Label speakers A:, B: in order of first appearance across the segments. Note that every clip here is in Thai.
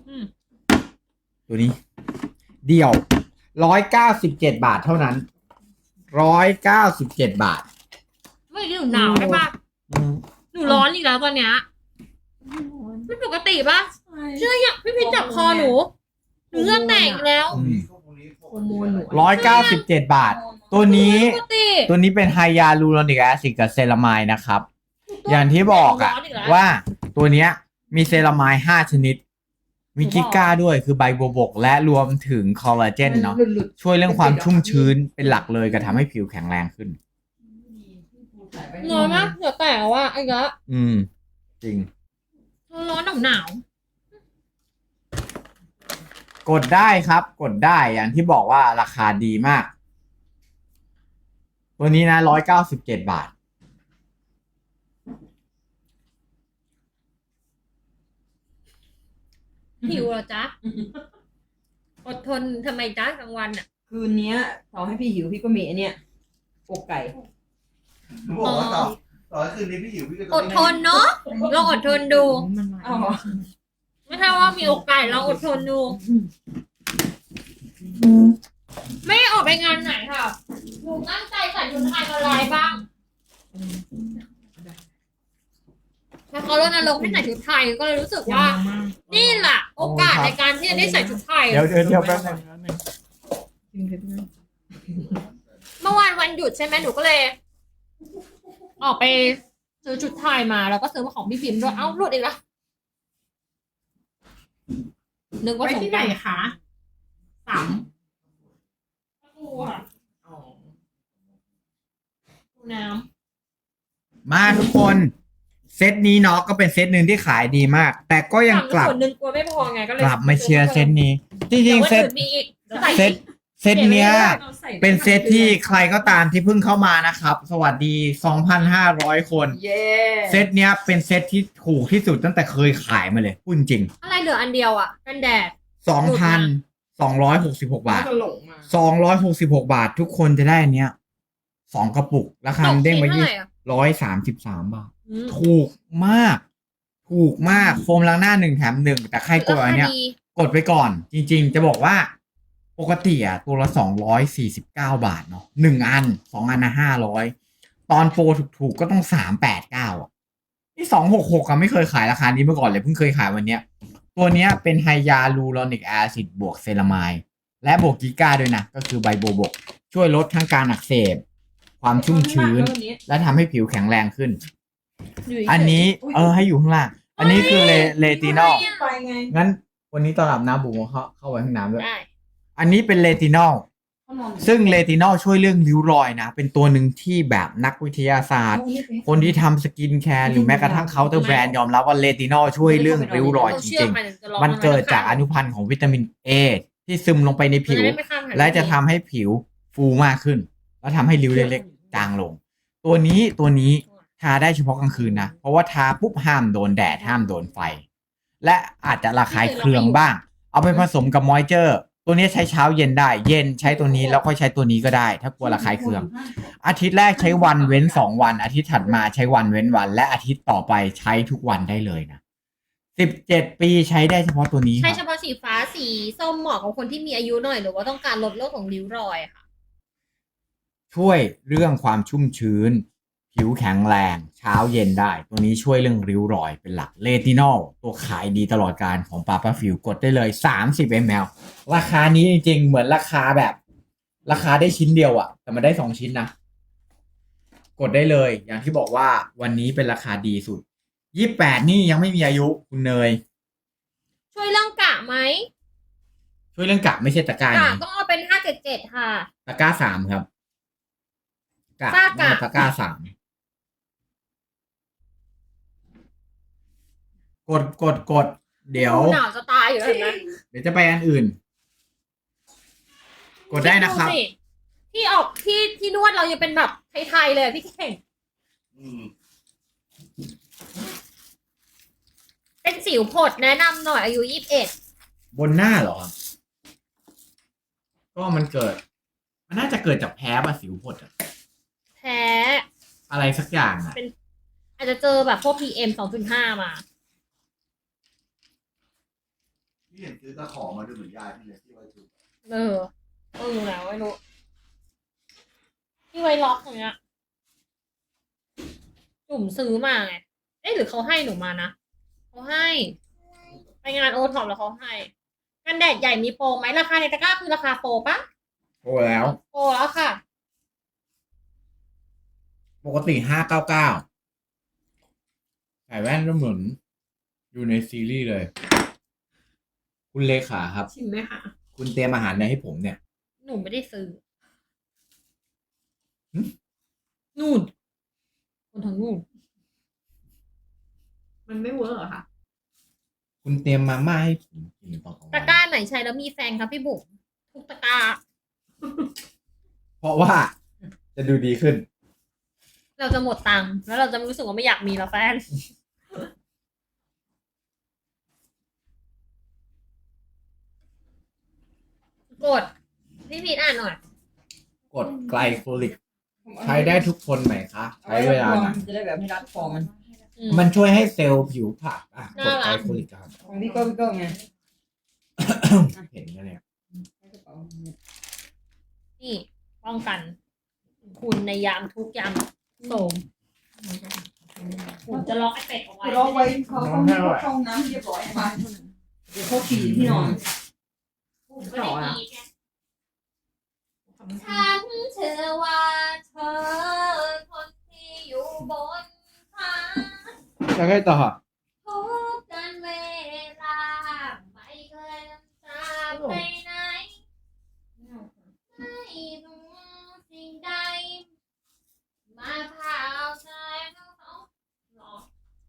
A: อืม
B: ตัวนี้ เดี่ยว197 บาทเท่านั้น197 บาท
A: ไม่หนูหนาวใช่ปะหนูร้อนอีกแล้วตอนเนี้ยไม่ปกติปะเชื่อยังพี่พิชจับคอหนูเหงื่อแตกอีกแล้ว
C: โฮอร์โมนหนู
B: 197 บาท ตัวนี้
A: ปกติ
B: ตัวนี้เป็นไฮยาลูโรนิกแอซิดกับเซรามายนะครับ อย่างที่บอกอะว่าตัวเนี้ยมีเซรามาย5 ชนิด มีกิก้าด้วยคือใบบัวบก และรวมถึงคอลลาเจนเนาะ
C: หลุด
B: ช่วยเรื่องความชุ่มชื้นเป็นหลักเลยก็ทำให้ผิวแข็งแรงขึ้น
A: ร้อนมากเหงื่อแตกว่ะไอ้เงี้ย
B: จริง
A: ร้อนหนาว
B: กดได้ครับ กดได้อย่างที่บอกว่าราคาดีมาก ตัวนี้นะ197 บาท
A: หิวเหรอจ๊ะอดทนทำไมจ๊ะกลางวันอ่ะ
C: คืนเนี้ยต่อให้พี่หิวพี่ก็มีไอเนี้ยอกไก่
D: หนูบอกว่าต่อให้คืนนี้พี่หิวพี่ก็ต้
A: อ
D: อง
A: ดทนเนาะลองอดทนดู
C: อ๋อ
A: ไม่ใช่ว่ามีโอกาสลองอดทนดู ไม่ออกไปงานไหนค่ะหนูตั้งใจใส่ชุดไทยมาลายบ้างถ้าเขารณรงค์ให้ใส่ชุดไทยก็เลยรู้สึกว่า นี่แหละโอกาสในการที่จะได้ใส่ชุดไทย
B: เดี๋ยวแป๊บนึง
A: เมื่อวานวันหยุดใช่ไหมหนูก็เลย ออกไปซื้อชุดไทยมาแล้วก็ซื้อมาของพี่พิมพ์ด้วยเอ้าหลุดอีกแล้วนึกว่า
E: ไป
A: สง
E: ที่
A: ก
E: ไหน
A: รานต์
E: คะสาม
A: น้
B: มาทุกคนเซตนี้เนาะก็เป็นเซตหนึ่งที่ขายดีมาก แต่ก็
A: ำ
B: ยังกลับ
A: ส่วนหนึ่งกลัวไม่พอไงก็เลย
B: กลับมาเชียร์เซตนี้ จริงๆเซต
A: แต่ว่าอื่นมีอีกใส่
B: เซตเซตเนี้ย
E: อาใส่
B: เป็นเซตที่ใครก็ตามที่เพิ่งเข้ามานะครับ สวัสดี 2,500 คน
C: เย้
B: เซตเนี้ยเป็นเซตที่ถูกที่สุดตั้งแต่เคยขายมาเลยพูดจริง
A: อะไรเหลืออันเดียวอ่ะกันแดด
B: 2,266 บาท
C: ก็หลงมา
B: 266 บาททุกคนจะได้อันเนี้ย2 กระปุก ราคามันเด้งมา
A: ตกชิ้นเท่าไหร่อะ
B: 133 บาท
A: อืม
B: ถูกมาก ถูกมากโฟมล้างหน้า1 แถม 1 แต่ใครกดอันเนี้ย
A: ราคาดี
B: กดไปก่อน จริงๆ จะบอกว่า ปกติอ่ะตัวละ249 บาทเนาะ1 อัน 2 อันนะ500 ตอนโปรถูกๆ ก็ต้อง389อ่ะนี่266อ่ะไม่เคยขายราคานี้มาก่อนเลยเพิ่งเคยขายวันเนี้ย ตัวเนี้ยเป็นไฮยาลูโรนิกแอซิดบวกเซรามายและบวกกิก้าด้วยนะ ก็คือใบโบบก ช่วยลดทั้งการอักเสบ ความชุ่มชื้น และทำให้ผิวแข็งแรงขึ้น อันนี้ให้อยู่ข้างล่าง อันนี้คือเลตินอล
C: ไปไง
B: งั้นวันนี้ตอนอาบน้ำบุ๋มเข้าไว้ห้องน้ำด้วย
A: ได้
B: อันนี้เป็นเลตินอล
C: เขานอน
B: ซึ่งเลตินอลช่วยเรื่องริ้วรอยนะ เป็นตัวหนึ่งที่แบบนักวิทยาศาสตร์ คนที่ทำสกินแคร์หรือแม้กระทั่งเคาน์เตอร์แบรนด์ยอมรับว่าเลตินอลช่วยเรื่องริ้วรอยจริงๆ มันเกิดจากอนุพันธ์ของวิตามิน A ที่ซึมลงไปในผิว และจะทำให้ผิวฟูมากขึ้น แล้วทำให้ริ้วเล็กๆจางลง ตัวนี้ทาได้เฉพาะกลางคืนนะ เพราะว่าทาปุ๊บห้ามโดนแดดห้ามโดนไฟ และอาจจะระคายเคืองบ้าง เอาไปผสมกับมอยเจอร์ ตัวนี้ใช้เช้าเย็นได้ เย็นใช้ตัวนี้แล้วค่อยใช้ตัวนี้ก็ได้ ถ้ากลัวระคายเคือง อาทิตย์แรกใช้วันเว้น2 วัน อาทิตย์ถัดมาใช้วันเว้นวัน และอาทิตย์ต่อไปใช้ทุกวันได้เลยนะ17 ปีใช้ได้เฉพาะตัวนี้ค
A: ใช้
B: รับ
A: เฉพาะสีฟ้าสีส้มเหมาะกับคนที่มีอายุหน่อยหรือว่าต้องการลดโรคของริ้วรอยค่ะ
B: ช่วยเรื่องความชุ่มชื้น ผิวแข็งแรง เช้าเย็นได้ ตัวนี้ช่วยเรื่องริ้วรอยเป็นหลักเลตินอลตัวขายดีตลอดการของปาป้าฟิวกดได้เลย30 ml ราคานี้จริงๆ เหมือนราคาแบบ ราคาได้ชิ้นเดียวอะแต่มันได้2 ชิ้นนะ กดได้เลย อย่างที่บอกว่าวันนี้เป็นราคาดีสุด28นี่ยังไม่มีอายุคุณเนย
A: ช่วยเรื่องกะไหม
B: ช่วยเรื่องกะไม่ใช่ตะกร้าก
A: ะ
B: นี้
A: ต้องเอาเป็น577ค่ะ
B: ตะกร้า3ครับกะ
A: ฝ้ากะ
B: ตะกร้า3กด เดี๋ยว
A: หนาวจะตายอยู่แล้วเห็นไหม
B: เดี๋ยวจะไปอันอื่น กดได้นะครับ
A: ดสิที่ออกที่นวดเรายังเป็นแบบไทยๆเลยอะพี่เก่ง
D: อืม
A: เป็นสิวผดแนะนำหน่อยอายุ21
B: บนหน้าเหรอ ก็มันเกิด มันน่าจะเกิดจากแพ้ป่ะสิวพดอะ
A: แพ้
B: อะไรสักอย่างอะ
A: อาจจะเจอแบบพวก PM 2.5 มา
D: พี่เห็นซื้อตะขอมาดูเหมือนยายพี่เลยที่ไว้จุด
A: แล้วไม่รู้ที่ไว้ล็อกอย่างเงี้ยจุ่มซื้อมาไงหรือเขาให้หนูมานะเขาให้ไปงานโอท็อปแล้วเขาให้กันแดดใหญ่มีโปรไหมราคาในตะกร้าคือราคาโปรปะ
B: โอ้แล้ว
A: โปรแล้วค่ะ
B: ปกติ599ใส่แว่นก็เหมือนอยู่ในซีรีส์เลย คุณเลขาครับ
C: ชิมไหมคะ
B: คุณเตรียมอาหารอะไรให้ผมเนี่ย
A: หนูไม่ได้ซื้อ
B: หึ
A: นู่นคนทางนู่น
C: มันไม่เวิร์กเหรอคะ
B: คุณเตรียมมาม่าให้ผมกินตอนกลาง
A: ตะ
B: วัน
A: กร้าไหนใช้แล้วมีแฟนครับพี่บุ๋มทุกตะกร้า
B: เพราะว่าจะดูดีขึ้น
A: เราจะหมดตังค์แล้วเราจะรู้สึกว่าไม่อยากมีแล้วแฟน กดพี่พีทอ่านหน่อย
B: กดไกลโคลิก ใช้ได้ทุกคนไหมคะ ใช้เวลาไหน
C: จะได้แบบให้รัดคอมัน
B: มันช่วยให้เซลล์ผิวผลักกดไกลโคลิกครับ
C: ของพี่ก็ไง
B: เห็นกันเนี่ย
A: นี่ป้องกัน คุณในยามทุกยามโสมผมจะล็อกไอ้เป็ดเอาไว้
C: รอไว้เขาต้องให้เขาเข้าห้องน้ำเรียบร้อยไปเดี๋ยวเขาขี่ที่นอน
A: ผมก็ได้ดีแค่ฉันเชื่อว่าเธอคนที่อยู่บนฟ้า
B: แล้วไงต่อ
A: ทุกการเวลาไม่เคยจากไปไหนไม่รู้สิ่งใดมาพาเอาใจเขาหรอ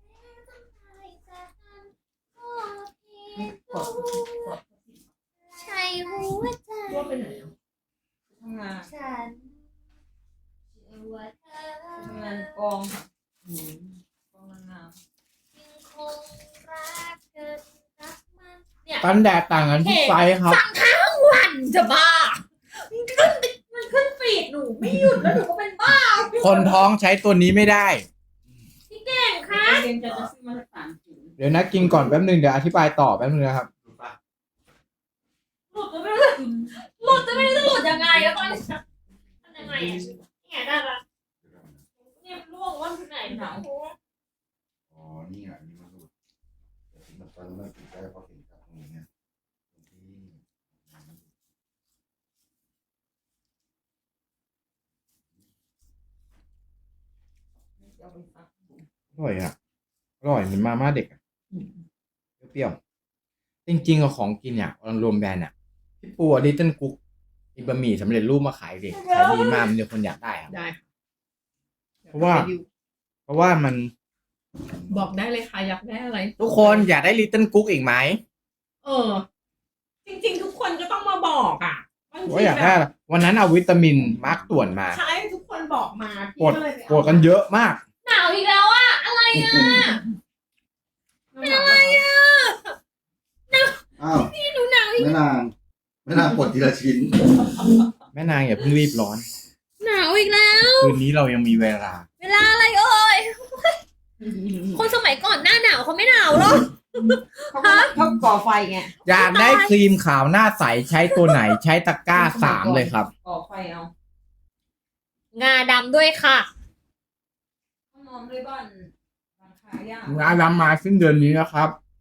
A: ใช่หัวใจ
C: ตัวไปไหนทำงาน
A: ฉันเชื่อว่าเธอ
C: ทำงานกองกองนางงาม
A: ยังคงรักกันรักมันเนี่ย
B: กันแดดต่างกันที่ไฟครับ
A: สั่งทั้งวันจะบ้ามันขึ้นฟีดหนูไม่หยุดแล้วหนูก็เป็นบ้า
B: คนท้องใช้ตัวนี้ไม่ได้
A: พี่เก่งคะ
C: เรียนจะซื้อมาสัก3 ถุง
B: เดี๋ยวนะกินก่อนแป๊บนึงเดี๋ยวอธิบายต่อแป๊บนึงนะครับ
D: ถูกปะ
A: หลุดจะไม่รู้หลุดจะไม่รู้จะหลุดยังไงแล้วตอนนี้ทำยังไงอ่ะเนี่ยได้ละเนี่ยล่วงว่าที่ไหนหนาว
D: อ๋อนี่อ่ะนี่มันหลุดแต่ที่มันตอนนั้นมันติดได้เพราะเห็นกับตรงนี้ไงตรงที่
C: เอาไปซัก
B: อร่อยอ่ะ อร่อยเหมือนมาม่าเด็กอะเปรี้ยวๆจริงๆกับของกินเนี่ยรวมแบรนด์อ่ะพี่ปูลิตเติ้ลกุ๊กอีบะหมี่สำเร็จรูปมาขายเด็กขายดีมากมีคนอยากได้ครับ
C: ได้ค่ะ
B: เพราะว่ามัน
C: บอกได้เลยค่ะอยากได้อะไร
B: ทุกคนอยากได้ลิตเติ้ลกุ๊กอีกไหม
C: จริงๆทุกคนก็ต้องมาบอกอ่ะบางที
B: ว่าอยากได้อะไรวันนั้นเอาวิตามินมาร์กต่วนมา
C: ใช่ทุกคนบอกมาพี่
B: กด
C: ก็เลยไป
B: กดกันเยอะมาก
A: หนาวอีกแล้วอ่ะอะไรอ่ะ
C: เป็นอะไรอ่ะ
D: อ้าว
A: พี่หนูหนาวอีก
D: แม่นางปลดทีละชิ้น
B: แม่นางอย่าเพิ่งรีบร้อน
A: หนาวอีกแล้ว
B: คืนนี้เรายังมีเวลา
A: เวลาอะไรเอ่ยคนสมัยก่อนหน้าหนาวเขาไม่หนาวหรอก
C: เขาก่อไฟไง
B: อยากได้ครีมขาวหน้าใสใช้ตัวไหนใช้ตะกร้า3เลยครับ
C: ก่อไฟเอา
A: งาดำด้วยค่ะ
C: ห้องนอนด้วยบ้านราคายาก
B: งานรำมาสิ้นเดือนนี้นะครับ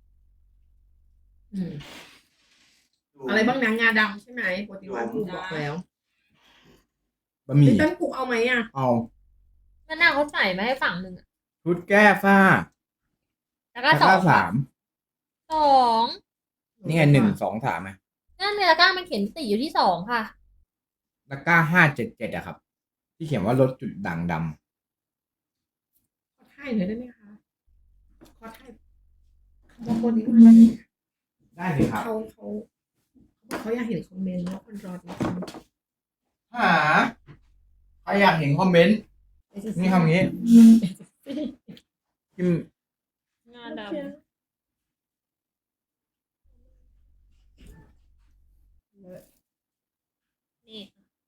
C: อะไรบ้างนะงาดำใช่ไหมปกติว่าปูบอกแล้ว
B: บะหมี่
C: ลิตเติ้ลกุ๊กเอาไหมอ่ะ
B: เอา
A: มะนาวเขาใส่มาให้ฝั่งหนึ่งอะ
B: ชุดแก้ฝ้า
A: แล้วก็
B: ตะ
A: ส
B: ก
A: อ
B: ร้าง
A: สอง
B: 3นี่ไง1 2 3ไหม
A: นั่นเมลาก้ามันเขียนติอยู่ที่2ค่ะ
B: ตะกร้า577อะครับ ที่เขียนว่าลดจุดด่างด
C: ขอถ่ายหน่อยได้ไหมคะขอถ่ายบางคนนี้
B: ำได้เลยครับ
C: เขาอยากเห็นคอมเมนต์ว่าคนรอจริง
B: หาใครอยากเห็นคอมเมนต์
C: ๆ
B: นี่คำนี้พิมพ์
A: งาดำนี่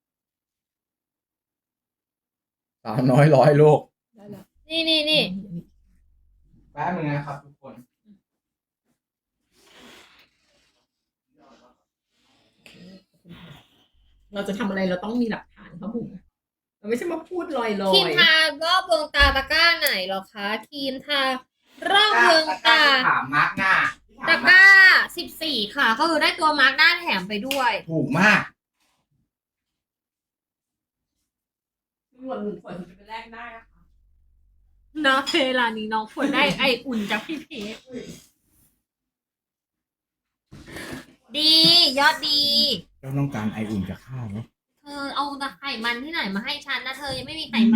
B: สาวน้อยร้อยโลก
C: ได้แล้ว
A: นี่
B: แป๊บนึงนะครับทุกคน
C: เราจะทำอะไรเราต้องมีหลักฐานครับผมเราไม่ใช่มาพูดลอยๆ
A: ครีมทารอบดวงตาตะกร้าไหนเหรอคะครีมทารอบดวงตา
B: ถามมาร์กหน้า
A: ตะกร้า14ค่ะ ก็คือได้ตัวมาร์กหน้าแถมไปด้วย
B: ถูกมาก
C: ส่วนหนึ่งฝนจะไปแลกได้นะคะ
A: เนาะเวลานี้น้องควรได้ไออุ่นจากพี่เพชรดียอดดี
B: เจ้าต้องการไออุ่นจากข้าวไหม
A: เธอเอาไขมันที่ไหนมาให้ฉันนะเธอยังไม่มีไขมัน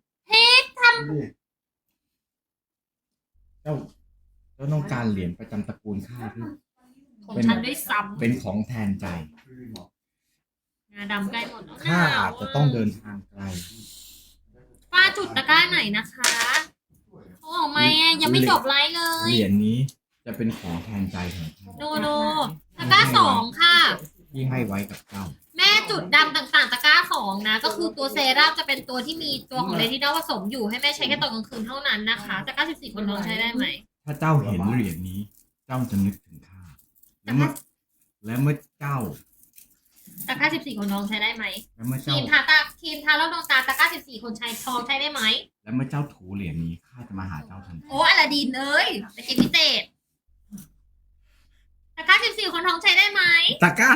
B: เจ้าต้องการเหรียญประจำตระกูลข้าที่
A: ของฉันด้วยซ้
B: เป็นของแทนใจ
A: ำงาดำใกล้หมดแล้ว
B: ข้าอาจจะต้องเดินทางไกล
A: ป้าจุดตะกร้าไหนนะคะเขาออกมาอ่ะยังไม่จบไลฟ์เลย
B: เหรียญนี้จะเป็นของแทนใจของข้า
A: โนตะกร้า2ค่ะ
B: ที่ให้ไว้กับเจ้า
A: แม่จุดดำต่างๆ ตะกร้า2นะ ก็คือตัวเซรั่มจะเป็นตัวที่มีตัวของเลตินอลผสมอยู่ให้แม่ใช้แค่ตอนกลางคืนเท่านั้นนะคะตะกร้า14คนท้องใช้ได้ไหม
B: ถ้าเจ้าเห็นเหรียญนี้ เจ้าจะนึกถึงข้าและเมื่อเจ้า
A: ตะกร้า14คนท้องใช้ได้ไหม
B: และเมื่อ
A: ครี
B: เจ้า
A: ครีมทาแล้วดวงตาตะกร้า14คนใช้ท้องใช้ได้ไหม
B: และเมื่อเจ้าถูเหรียญนี้ข้าจะมาหาเจ้าทันที
A: โอ้อลาดินเอ้ยตะเกียบพิเศษตะกร้า14คนท้องใช้ได้ไหม
B: ตะกร้า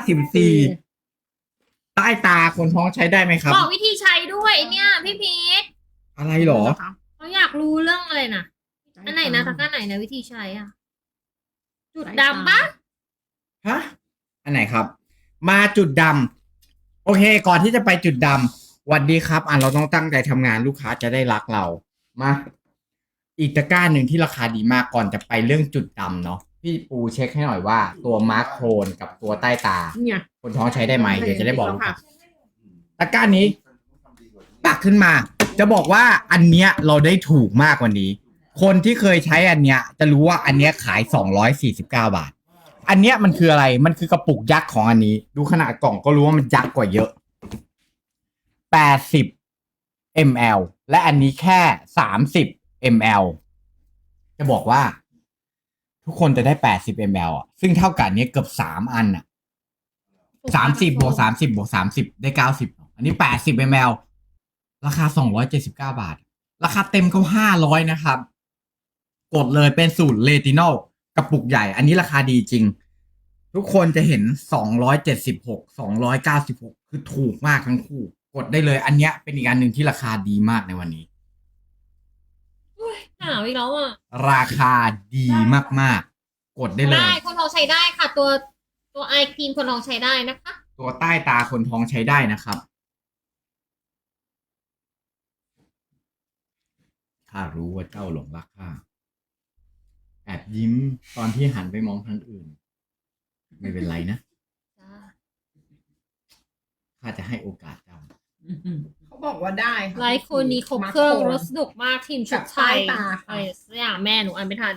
B: 14ใต้ตาคนท้องใช้ได้ไหมครับ
A: บอกวิธีใช้ด้วยไอ้เนี่ยพี่พีท
B: อะไรหรอ
A: เขาอยากรู้เรื่องอะไรนะอันไหนนะตะกร้าไหนนะวิธีใช้อ่ะ จุดดำปะ
B: ฮะ อันไหนครับ มาจุดดำโอเค ก่อนที่จะไปจุดดำหวัสดีครับเราต้องตั้งใจทำงานลูกค้าจะได้รักเรา มา อีกตะกร้าหนึ่งที่ราคาดีมากก่อนจะไปเรื่องจุดดำเนาะพี่ปูเช็คให้หน่อยว่าตัวมาร์คโครนกับตัวใต้ตา
C: เนี่ย
B: คนท้องใช้ได้ไหมเดี๋ยวจะได้บอกลูกค้าตะกร้านี้ตักขึ้นมา จะบอกว่าอันเนี้ยเราได้ถูกมากกว่านี้ คนที่เคยใช้อันเนี้ย จะรู้ว่าอันเนี้ยขาย249 บาท อันเนี้ยมันคืออะไร มันคือกระปุกยักษ์ของอันนี้ ดูขนาดกล่องก็รู้ว่ามันยักษ์กว่าเยอะ80 ml และอันนี้แค่30 ml จะบอกว่า ทุกคนจะได้80 ml อ่ะซึ่งเท่ากับอันเนี้ยเกือบ3อันอ่ะ30บวก30บวก30ได้90อันนี้80 ml ราคา279 บาท ราคาเต็มเขา500นะครับ กดเลยเป็นสูตรเลตินอลกระปุกใหญ่ อันนี้ราคาดีจริง ทุกคนจะเห็น276 296คือถูกมากทั้งคู่ กดได้เลย อันเนี้ยเป็นอีกอันหนึ่งที่ราคาดีมากในวันนี้
A: หนาวอีกแล้วอ่ะ
B: ราคาดีมากๆ กดได้เลย
A: ได้คนท้องใช้ได้ค่ะ ตัวไอครีมคนท้องใช้ได้นะคะ
B: ตัวใต้ตาคนท้องใช้ได้นะครับข้ารู้ว่าเจ้าหลงรักข้าแอบยิ้มตอนที่หันไปมองทางอื่น ไม่เป็นไรนะข้าจะให้โอกาสเจ้า
C: เขาบอกว่าได้ค่ะ
A: ไลฟ์คนนี้ครบเครื่องรสนุกมากทีมชุดไทย
C: กับใต้ตาค่ะ
A: อะไรสักอย่างแม่หนูอ่านไม่ทัน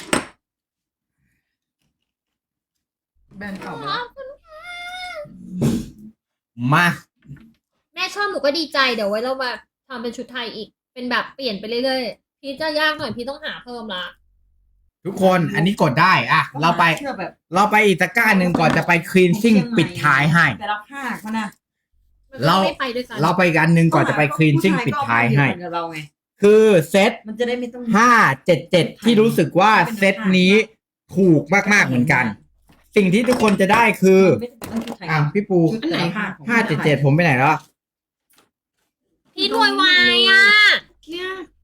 C: แบรนด์เก่า
A: ข
C: มา
A: อบคุณค่ะ
B: มา
A: แม่ชอบหนูก็ดีใจเดี๋ยวไว้เรามาทำเป็นชุดไทยอีก เป็นแบบเปลี่ยนไปเรื่อยๆพี่จะยากหน่อยพี่ต้องหาเพิ่มละ
B: ทุกคนอันนี้กดได้อะเราไป
C: เชื่อแบบ
B: เราไปอีกตะกร้าหนึ่งก่อนจะไปคลีนซิ่งปิดท้ายให้
C: แต่ละภาคมันนะ
A: มันก็ไม่ไปด้วยกัน
B: เราไปอีกอันหนึ่งก่อนจะไปคลีนซิ่งปิดท้ายให้
C: ผู้ชก็เอไปเหมือนกับเราไง
B: คือเซต
C: มันจะได้ไม่ต้อง
B: 577ที่รู้สึกว่าเซตนี้ถูกมากๆเหมือนกัน สิ่งที่ทุกคนจะได้คือพี่ปู
C: ชุดไหนค่ะ
B: 577ผมไปไหนแล้ว
A: พี่รวยวายอ่ะ
C: เนี่ย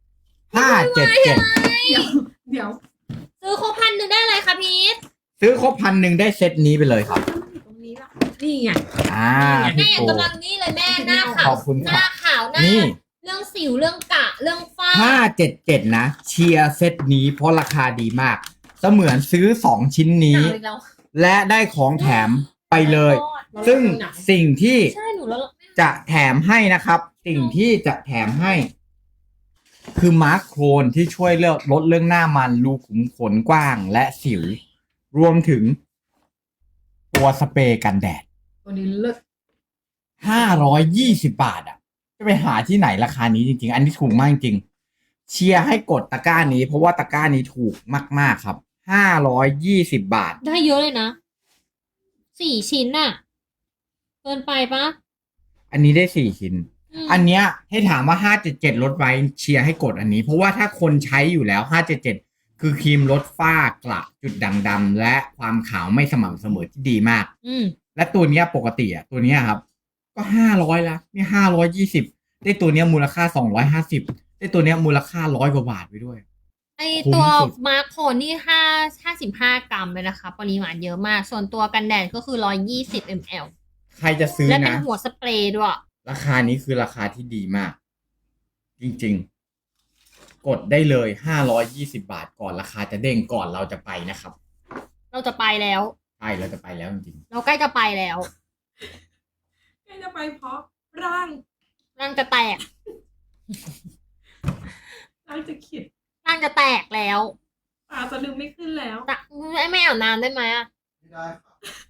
B: 577
C: เดี๋ยว
A: ซื้อครบ1,000ได้เลยค่ะพีท
B: ซื้อครบ1,000ได้เซตนี้ไปเลยครับ
C: ตรงนี้ละนี่ไง
A: แม่
B: พี่ปู
A: กำลังนี่เลยแม่หน้าขา
B: ข
A: ว
B: อบคุณ
A: ห
B: ครั
A: น้า
B: บ
A: ขาวหน้า
B: นี่
A: เรื่องสิวเรื่องกะเรื่องฝ้า
B: 577นะเชียร์เซตนี้เพราะราคาดีมาก เสมือนซื้อ2ชิ้น
A: ห
B: นี้
A: นาวอีกแล้ว
B: และได้ของแถมไปเลย ซึ่งสิ่งที่
A: ใช่หนูแล้ว
B: จะแถมให้นะครับ สิ่งที่จะแถมให้ คือมาร์คโครนที่ช่วยลดเรื่องหน้ามันรูขุมขนกว้างและสิว รวมถึงตัวสเปรย์กันแดด
C: ตัวนี้เลิศ
B: 520 บาทอ่ะ จะไปหาที่ไหนราคานี้จริงๆ อันนี้ถูกมากจริง เชียร์ให้กดตะกร้านี้เพราะว่าตะกร้านี้ถูกมากๆครับ 520 บาท
A: ได้เยอะเลยนะ4 ชิ้นน่ะเกินไปปะ
B: อันนี้ได้4 ชิ้น อันเนี้ยให้ถามว่า577ลดไว้เชียร์ให้กดอันนี้ เพราะว่าถ้าคนใช้อยู่แล้ว577คือครีมลดฝ้ากระจุดด่างดำและความขาวไม่สม่ำเสมอที่ดีมาก และตัวเนี้ยปกติอ่ะตัวเนี้ยครับ ก็500ละนี่520ได้ตัวเนี้ยมูลค่า250ได้ตัวเนี้ยมูลค่า100 กว่าบาทไปด้วย
A: ไอตัว
B: คุ้มสุด
A: มาร์คโคนนี่55 กรัมเลยนะคะ ปริมาณเยอะมาก ส่วนตัวกันแดดก็คือ120 ml
B: ใครจะซื้อ
A: และเป็น
B: นะ
A: หัวสเปรย์ด้วย
B: ราคานี้คือราคาที่ดีมาก จริงๆ กดได้เลย520 บาทก่อนราคาจะเด้งก่อนเราจะไปนะครับ
A: เราจะไปแล้ว
B: ใช่เราจะไปแล้วจริง
A: เราใกล้จะไปแล้ว
C: ใกล้จะไปเพราะร่าง
A: ร่างจะแตก
C: ร่างจะขิด
A: ร่างจะแตกแล้ว
C: ตาจะดึงไม่ขึ้นแล้ว
A: แต่ไม่อาบน้ำได้ไหมอะ
D: ไม่ได้ครับ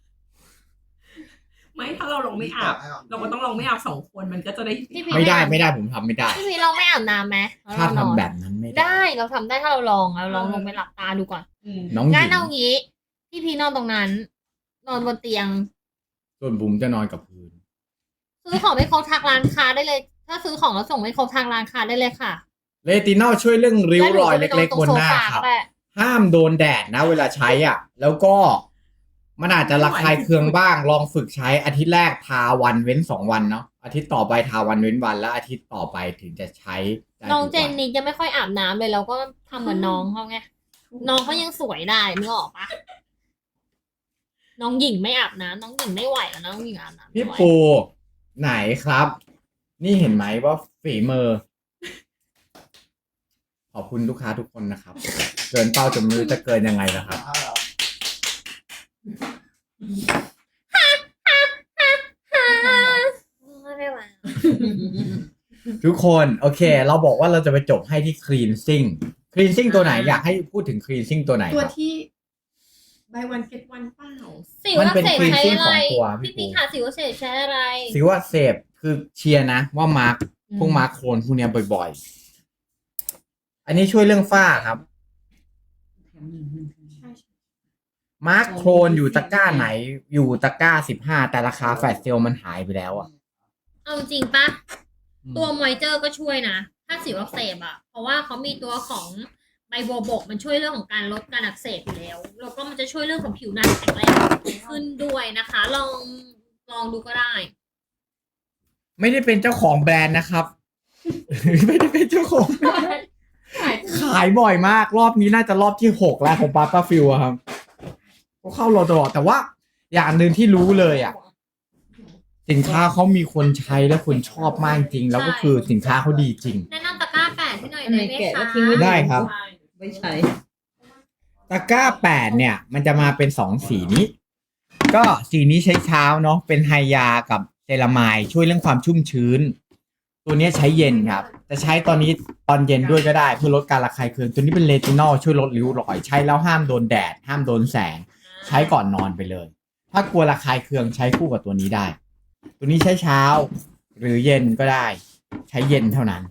C: ไม่ถ้าเราลองไม่อาบ เราก็ต้องลองไม่อาบ2 คนมันก็จะได้
A: พี่
B: ๆ ไม่ได้ผมทำไม่ได้
A: พี่พีเราไม่อาบน้ำไหม
B: ถ้า
A: เรนอน
B: ทำแบบนั้นไม่ได้
A: ได้เราทำได้ถ้าเราลองลงไปหลับตาดูก่อน
B: น้องหญิ
A: งั้น
B: ง
A: เอางี้ พี่พีนอนตรงนั้น นอนบนเตียง
B: ส่วนบุ๋มจะนอนกับพื้น
A: ซื้อของไม่ครบทางร้านค้าได้เลย ถ้าซื้อของแล้วส่งไม่ครบทางร้านค้าได้เลยค่ะ
B: เรตินอลช่วยเรื่องริ้วรอยเล็กๆบนหน้า
A: แล้ว
B: ครับ
A: ก็ไปนอนตรงโซฟก็ได้
B: ห้ามโดนแดดนะเวลาใช้อ่ะ แล้วก็มันอาจจะระคายเคืองบ้างลองฝึกใช้อาทิตย์แรกทาวันเว้น2 วันเนาะอาทิตย์ต่อไปทาวันเว้นวันแล้วอาทิตย์ต่อไปถึงจะใช้ได้
A: น้อง
B: ทุก
A: เจ
B: วัน
A: นี่จะไม่ค่อยอาบน้ำเลยเราก็ทำเหมือนน้องเขาไง น้องเขายังสวยได้นึกออกปะน้องหญิงไม่อาบน้ำน้องหญิงไม่ไหวแล้วน้องหญิงอาบน้ำไม่
B: พี่
A: ไหว
B: ปูไหนครับ นี่เห็นไหมว่าฝีมือ ขอบคุณลูกค้าทุกคนนะครับ เกินเป้าจนไม่รู้จะเกินยังไงนะครับ
A: ไม่ไหว
B: ทุกคนโอเค เราบอกว่าเราจะไปจบให้ที่ cleansing cleansing ตัวไหนอยากให้พูดถึง cleansing ตัวไหน
C: ตัว
B: ครับ
C: ที่ buy one get one เปล่า
A: สิว
B: มัน
A: อัก
B: เป็น
A: เสบใช้
B: cleansing
A: อะไร
B: ของตัวพี่
A: พี่
B: ปู
A: ปีค่ะสิวอักเสบใช้อะไร
B: สิว่าเสพคือเชียร์นะว่ามาร์คพวกมาร์คโคลนพวกเนี้ยบ่อยๆ อันนี้ช่วยเรื่องฝ้าครับ
C: ใช่
B: มาร์คโคลนอยู่ตะกร้าไหนอยู่ตะกร้า15แต่ราคาแฟลชเซลมันหายไปแล้วอ่ะ
A: เอาจริงปะตัวมอยเจอร์ก็ช่วยนะ ถ้าสิวอักเสบอะเพราะว่าเขามีตัวของไบโบบกมันช่วยเรื่องของการลดการอักเสบอยู่แล้ว แล้วก็มันจะช่วยเรื่องของผิวหน้าแข็งแรงขึ้นด้วยนะคะ ลองดูก็ได้
B: ไม่ได้เป็นเจ้าของแบรนด์นะครับ ไม่ได้เป็นเจ้าของแบรนด์ขายบ่อยมากรอบนี้น่าจะรอบที่6แล้วของปาต้าฟิลครับก็เข้ารอตลอดแต่ว่าอย่างหนึ่งที่รู้เลยอ่ะ สินค้าเขามีคนใช้และคนชอบมากจริง แล้วก็คือสินค้าเขาดีจริง
A: แนะนำตะกร้า8ให้หน่อยได้ไหมคะ
B: ได้ครับ
C: ไม่ใช่
B: ตะกร้า8เนี่ย มันจะมาเป็น2สีนี้ ก็สีนี้ใช้เช้าเนาะเป็นไฮยากับเซรามายช่วยเรื่องความชุ่มชื้น ตัวนี้ใช้เย็นครับจะใช้ตอนนี้ตอนเย็นด้วยก็ได้เพื่อลดการระคายเคืองตัวนี้เป็นเรตินอลช่วยลดริ้วรอยใช้แล้วห้ามโดนแดดห้ามโดนแสง ใช้ก่อนนอนไปเลย ถ้ากลัวระคายเคืองใช้คู่กับตัวนี้ได้ ตัวนี้ใช้เช้า หรือเย็นก็ได้ ใช้เย็นเท่านั้น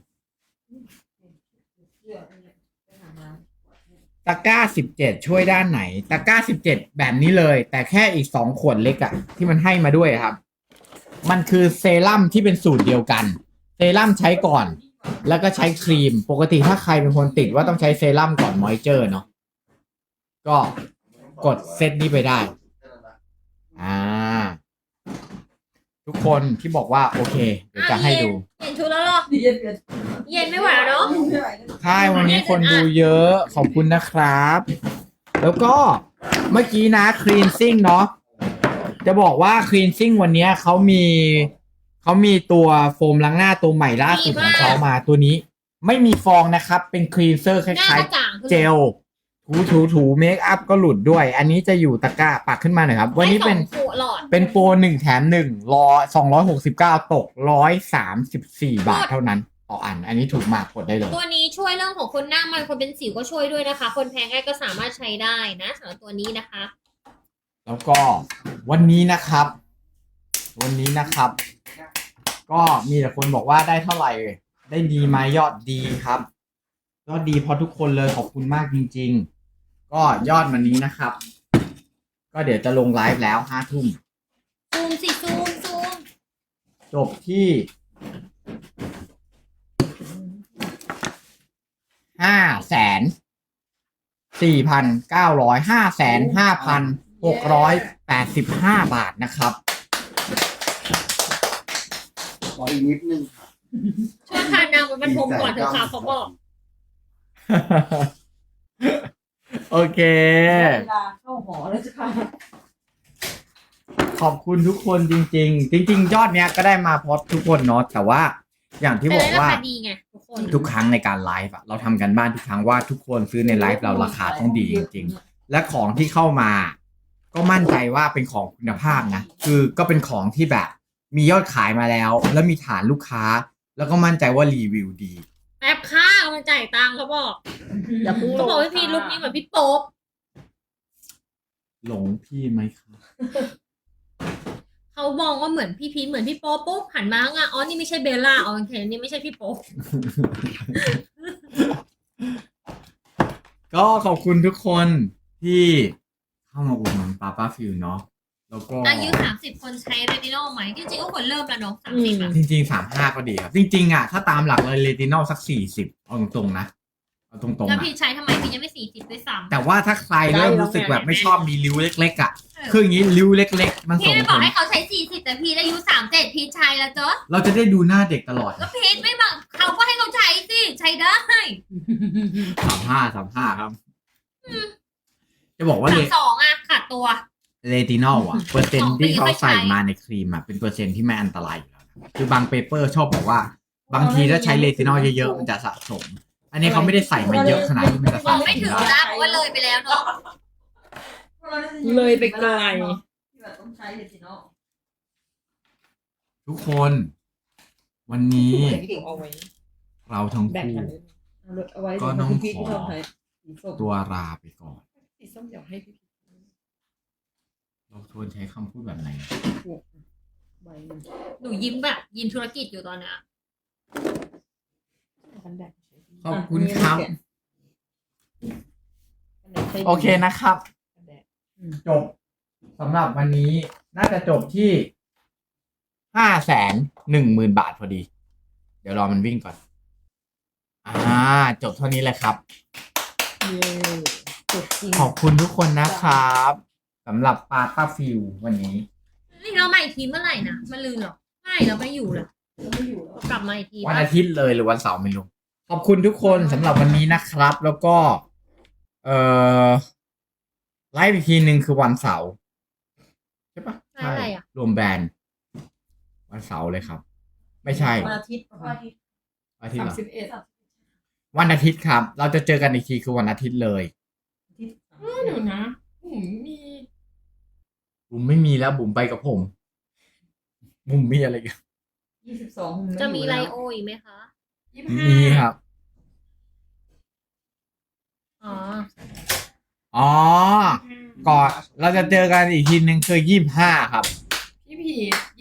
B: ตะกร้า17ช่วยด้านไหน ตะกร้า17แบบนี้เลย แต่แค่อีก2 ขวดเล็กอะที่มันให้มาด้วยครับ มันคือเซรั่มที่เป็นสูตรเดียวกัน เซรั่มใช้ก่อน แล้วก็ใช้ครีม ปกติถ้าใครเป็นคนติดว่าต้องใช้เซรั่มก่อนมอยเจอร์เนาะ ก็กดเซตนี้ไปได้ ทุกคนที่บอกว่าโอเค เดี๋ยวจะให้ดู
A: เปลี่ยนชุดแล้วเหรอ
C: เย็น
A: เย็นไม่ไหวแล้วเนาะ
B: ใช่วันนี้คนดูเยอะขอบคุณนะครับ แล้วก็เมื่อกี้นะ cleansing เนาะจะบอกว่า cleansing วันนี้เขามีตัวโฟมล้างหน้าตัวใหม่ล่าสุดของเขามาตัวนี้ ไม่มีฟองนะครับ เป็นคลีนเซอร์ค
A: หน้า
B: ล้าย
A: กระจ่างขึ้น
B: ๆเจลถูเมคอัพก็หลุดด้วย อันนี้จะอยู่ตะกร้าปักขึ้นมาหน่อยครับ วันนี้เป็น
A: ให้2 ขวดหลอด
B: เป็นโปร1 แถม 1รอ269 ตก134 บาทเท่านั้นต่ออัน อันนี้ถูกมากกดได้เลย
A: ตัวนี้ช่วยเรื่องของคนหน้ามันคนเป็นสิวก็ช่วยด้วยนะคะ คนแพ้ง่ายก็สามารถใช้ได้นะสำหรับตัวนี้นะคะ
B: แล้วก็วันนี้นะครับ ก็มีแต่คนบอกว่าได้เท่าไหร่ ได้ดีไหมยอดดีครับ ยอดดีเพราะทุกคนเลยขอบคุณมากจริงๆ ก็ยอดวันนี้นะครับ ก็เดี๋ยวจะลงไลฟ์แล้ว5 ทุ่ม
A: ซูมสิซูม
B: จบที่5,4,900 5,5,685 บาทนะครับ
D: ขออีกนิดนึงค่ะ
A: ช่วยพานางไปบรรทมก่อนเถอะค่ะเขาบอก
B: โอเค
C: เวลาเข้าหอแล้วจะค่ะ
B: ขอบคุณทุกคนจริงๆ จริง ๆ ยอดเนี้ยก็ได้มาเพราะทุกคนเนาะแต่ว่าอย่างที่บอกว่า
A: แต่ได้ราคาดีไงทุกคน
B: ทุกครั้งในการไลฟ์อะเราทำกันบ้านทุกครั้งว่าทุกคนซื้อในไลฟ์เราราคาต้องดีจริงๆ และของที่เข้ามา ก็มั่นใจว่าเป็นของคุณภาพนะคือก็เป็นของที่แบบมียอดขายมาแล้ว แล้วมีฐานลูกค้า แล้วก็มั่นใจว่ารีวิวดี
A: แอปค่ามันจ่ายตังค์เขาบอก
C: อย่าเพิ่ง
A: เขาบอกว่าพี่ลุคนี้เหมือนพี่โป๊ป
B: หลงพี่ไหมครับ
A: เขามองว่าเหมือนพี่พีชเหมือนพี่โป๊ปปุ๊บหันมาอ่ะอ๋อนี่ไม่ใช่เบลล่าอ๋อโอเคนี่ไม่ใช่พี่โป๊ป
B: ก็ขอบคุณทุกคนที่เข้ามาอุดหนุนป้าฟิวเนาะแล้วก็
A: อายุ30 คนใช้เรตินอลไหมจริงๆก็ควรเริ่มแล้วเนาะ30อ่ะ
B: จริงๆ35ก็ดีครับ จริงๆอ่ะถ้าตามหลักเลยเรตินอลสัก40เอาตรงๆนะเอาตรงๆ
A: แล้ว
B: นะ
A: พี่ใช้ทำไมพี่ยังไม่40ด้วยซ้ำ
B: แต่ว่าถ้าใครเริ่มรู้สึกแบบไม่ชอบมีริ้วเล็กๆอ่ะคืออย่างนี้ริ้วเล็กๆ มัน
A: พี่
B: ส่ง
A: ไม่
B: ผ
A: บอก
B: ล
A: ให้เขาใช้40แต่พี่อายุ37พี่ใช้แล้วเจ้ะ
B: เราจะได้ดูหน้าเด็กตลอด
A: ก็พีชไม่บอกเขาก็ให้เขาใช้สิใช้ได้
B: 35ครับ จะบอกว่า
A: 32อ่ะขาดตัว
B: เรตินอลอ่ะ เปอร์เซ็น
A: สอ
B: ต์
A: งปี
B: ที่เขาใส่
A: ค่อยใช้
B: มาในครีมอ่ะเป็นเปอร์เซ็นต์ที่ไม่อันตรายอยู่แล้วนะคือบางเปเปอร์ชอบบอกว่า บางทีถ้าใช้เรตินอลเยอะๆมันจะสะสม อันนี้เขาไม่ได้ใส่มาเยอะขนาดที่มันจะ
A: บ
B: สะ
A: อก
B: ส
A: ไม่
B: ม
A: ถึง
B: ได้
A: นะเพราะว่าเลยไปแล้วเนาะ
C: เลยไปไกล
E: ที่แบบต้องใช้เลยสิเนาะ
B: ทุกคน วันนี้
C: พี่เก่งเอาไว้
B: เราทั้ง
C: แบ่ง
B: คู่
C: กันเลยเอารถเอาไว้
B: ก็น้อง
C: พี่
B: ขอ
C: ที่ชอบใช้สีส้ม
B: ตัวลาไปก่อน
C: สีส้มเดี๋ยวให้พี่
B: เราชวนใช้คำพูดแบบไหน
C: พวกใบหนึ่ง
A: หนูยิ้มแบบยิ้มธุรกิจอยู่ตอนเนี้ย
C: กันแดด
B: ขอบคุณครับ โอเคนะครับ
C: กันแดด
B: จบสำหรับวันนี้น่าจะจบที่510,000 บาทพอดี เดี๋ยวรอมันวิ่งก่อนจบเท่านี้เลยครับ
C: เย้จบจริง
B: ขอบคุณทุกคนนะครับสำหรับป้าฟิววันนี้
A: นี่เรามาอีกทีเมื่อไหร่นะมาลืมเหรอไม่เราไม่อยู่เลย
C: เราไม่อยู่แล้ว
A: กลับมาอีกที
B: วันอาทิตย์เลยหรือวันเสาร์ไม่รู้ขอบคุณทุกคนสำหรับวันนี้นะครับ แล้วก็ไลฟ์อีกทีหนึ่งคือวันเสาร์ใช่ปะ
A: อะไรอ่ะ
B: รวมแบรนด์วันเสาร์เลยครับ ไม่ใช่
C: วันอาทิตย์
B: อาทิตย์เหรอ
C: 31
B: วันอาทิตย์ครับ เราจะเจอกันอีกทีคือวันอาทิตย์เลย
C: เดี๋ยวนะผมมี
B: บุ๋มไม่มีแล้วบุ๋มไปกับผมบุ๋มมีอะไรกัน
C: 22
A: จะมีไลโออีกไหมคะ
B: มีครับ
A: อ๋อ
B: อ๋อ ก่อนเราจะเจอกันอีกทีหนึ่งคือ25ครับ
F: พี่พี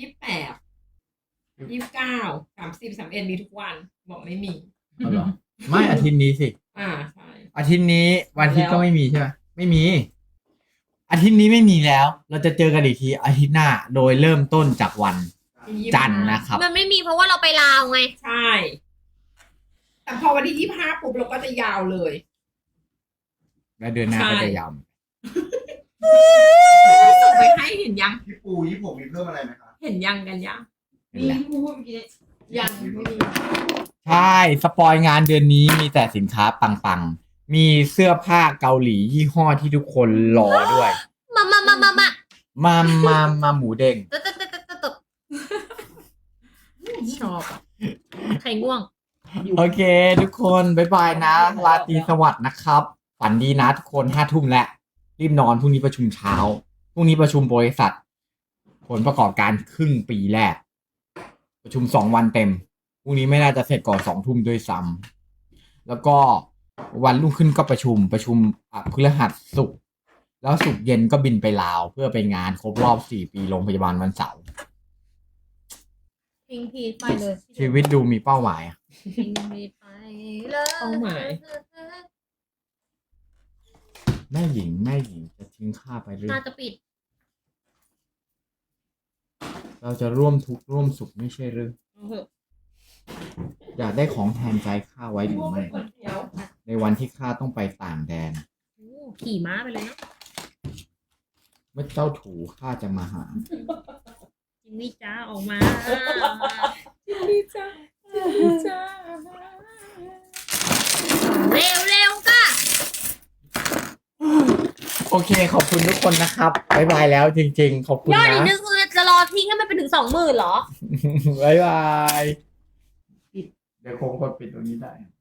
F: 28 29 30 31มีทุกวันบอกไม่มี
B: เอาเหรอ ไม่อาทิตย์นี้สิ
F: ใช่
B: อาทิตย์นี้วันอาทิตย์ก็ไม่มีใช่ไหมไม่มี อาทิตย์นี้ไม่มีแล้ว เราจะเจอกันอีกทีอาทิตย์หน้า โดยเริ่มต้นจากวันจันทร์นะครับ
A: มันไม่มีเพราะว่าเราไปลาวไง
F: ใช่ แต่พอวันที่25ปุ๊บเราก็จะยาวเลย
B: และเดือนหน้าก็จะยาว
F: ส่งไปให้เห็นยัง
D: พี่ปูยี่ผมมีเพิ่มอะไรไหมครับ
F: เห็นยังกันยัง
B: นี่แหละ
E: พูดเมื่อกี้
F: ยังไม่มี
B: ใช่สปอยงานเดือนนี้มีแต่สินค้าปังๆ มีเสื้อผ้าเกาหลียี่ห้อที่ทุกคนรอด้วย มาหมูเด้ง
A: ตึ๊ดตึ๊ดตึ๊ดตึ๊ดตึ๊ด
F: ชอบ
A: ใครง่วง
B: โอเค ทุกคนบ๊ายบายนะราตรีสวัสดิ์นะครับ ฝันดีนะทุกคน5 ทุ่มแล้วรีบนอนพรุ่งนี้ประชุมเช้าพรุ่งนี้ประชุมบริษัท ผลประกอบการครึ่งปีแรก ประชุม2 วันเต็มพรุ่งนี้ไม่น่าจะเสร็จก่อน2 ทุ่มด้วยซ้ำแล้วก็วันรุ่งขึ้นก็ประชุมพฤหัสศุกร์แล้วศุกร์เย็นก็บินไปลาว เพื่อไปงานครบรอบ4 ปีโรงพยาบาลวันเสาร์
A: ทิ้งพีทไปเลย
B: ชีวิตดูมีเป้าหมายอะ
A: ทิ้งพีทไปเลย
F: เป้าหมาย
B: แม่หญิงจะทิ้งข้าไปเรื่อ
A: น่าย จะปิด
B: เราจะร่วมทุกข์ร่วมสุขไม่ใช่หรือ
A: เอาเถอะ
B: อยากได้ของแทนใจข้าไว้หรือไม่ ในวันที่ข้าต้องไปต่างแดน
A: โอ้ขี่ม้าไปเลยเนาะ
B: เมื่อเจ้าถูข้าจะมาหา
A: จิมมี่จ้าออกมา
F: ดีจ้าดีจ้า
A: เร็วเร็วๆก็
B: โอเค ขอบคุณทุกคนนะครับบ๊ายบายแล้วจริงๆ ขอบคุณ
A: ยอดอีก
B: นะ
A: นึงคือจะรอทิ้งให้มันไปถึง 20,000เหรอ
B: บ๊ายบาย เดี๋ยวคงกดปิดตรงนี้ได้